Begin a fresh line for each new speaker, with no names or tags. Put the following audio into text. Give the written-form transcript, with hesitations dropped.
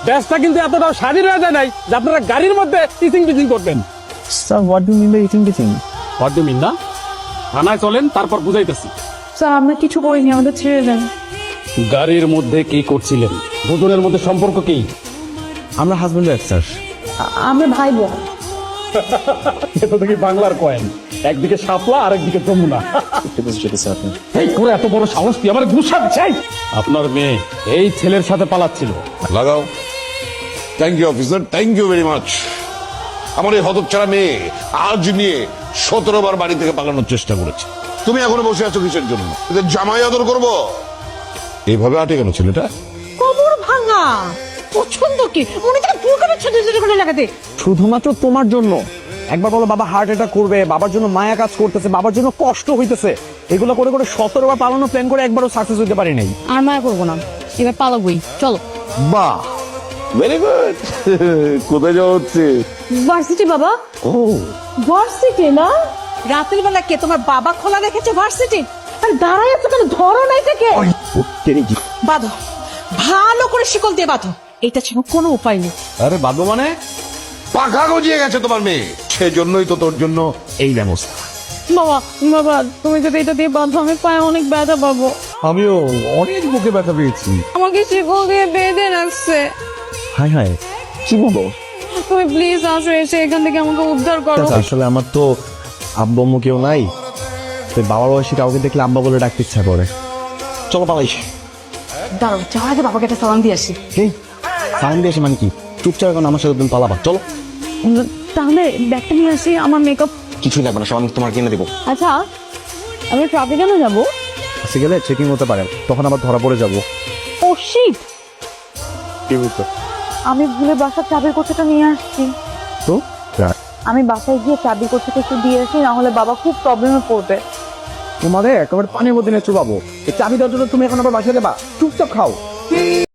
দেশটা কিন্তু এতটাও স্বাধীন হয়ে যায় নাই যে আপনারা গাড়ির মধ্যে টিচিং টিচিং করবেন।
Sir what do mean by eating teaching?
What do mean না? থানায় চলেন, তারপর বুঝাইতেছি।
স্যার আমরা কিছু করিনি, আমাদের ছেড়ে দেন।
গাড়ির মধ্যে কি করছিলেন? দুজনের মধ্যে সম্পর্ক কি?
আমরা হাজবেন্ড ওয়াইফ স্যার।
আমরা ভাই বোন।
এটা দেখি বাংলার কয়েন, একদিকে শাপলা আর একদিকে যমুনা। এই করে এত বড় সাহস তুই আমার গুসা চাই? আপনার মেয়ে এই ছেলের সাথে পালাচ্ছিল।
লাগাও। Thank you officer, thank you very much. আমার এই হতচ্ছাড়া মেয়ে আজ নিয়ে 17 বার বাড়ি থেকে পালানোর চেষ্টা করেছে। তুমি এখনো বসে আছো কিসের জন্য? এদের জামাই আদর করবো? এইভাবে আটে কেন ছেলেটা?
কবর ভাঙা পছন্দ কি মনে থেকে দুর্গা ছেড়ে ছেড়ে করে লাগাতে।
শুধুমাত্র তোমার জন্য। একবার বলো বাবা হার্ট অ্যাটাক করবে, বাবার জন্য মায়া কাজ করতেছে, বাবার জন্য কষ্ট হইতেছে, এগুলো করে করে 17 বার পালানো প্ল্যান করে একবারও সাকসেস হইতে পারি নাই।
আর মায়া করবো না, এবার পালাবই, চলো।
বাহ, ভেরি গুড। কোথায় যাওয়া হচ্ছে?
ভার্সিটি বাবা।
ও,
ভার্সিটি না? রাতের বেলা কে তোমার বাবা খোলা রেখেছে ভার্সিটি? আর দাঁড়ায় আছো কেন? ধরো না এটাকে। বাঁধো, ভালো করে শিকল দিয়ে বাঁধো, এটা ছাড়া কোনো উপায় নেই।
আরে বাবু মানে
পাখা গজিয়ে গেছে তোমার মেয়ে, সেজন্যই তো তোর জন্য এই ব্যবস্থা।
বাবা বাবা তুমি যদি এটা দিয়ে বাঁধো আমি পায়ে অনেক ব্যথা পাবো।
আমিও অনেক বুকে ব্যথা পেয়েছি।
আমাকে শিকল দিয়ে বেঁধে রাখছে।
হাই হাই, কি বলো?
তুমি প্লিজ আসো, এসে এখান থেকে আমাকে উদ্ধার করো।
আসলে আমার তো আব্বু আম্মু কেউ নাই, তো বাবার বয়সী কাউকে দেখলে আব্বা বলে ডাকতে ইচ্ছা করে। চলো পালাই।
দাঁড়াও, যাওয়ার আগে বাবাকে একটা সালাম দিয়ে আসি।
এই সাইন দিয়ে এসে মানে কি? চুপচাপ এখন আমার সাথে তুমি পালাবা, চলো।
তাহলে ব্যাগটা নিয়ে আসি, আমার মেকআপ।
কিছুই লাগবে না, সব আমি তোমার কিনে দেবো।
আচ্ছা আমি ট্রাফিক কেন যাবো?
কাছে গেলে চেকিং হতে পারে, তখন আবার ধরা পড়ে যাবো।
ও শিট,
কি বলতো?
আমি ভুলে বাসার চাবির কোঠাটা নিয়ে আসছি।
তো
আমি বাসায় গিয়ে চাবির কোঠাটা একটু দিয়ে আসি, না হলে বাবা খুব প্রবলেমে পড়বে।
তোমাদের একেবারে পানির মধ্যে নিয়ে চুবাবো। এই চাবি দেওয়ার জন্য তুমি এখন আবার বাসায় যাবা? চুপচাপ খাও।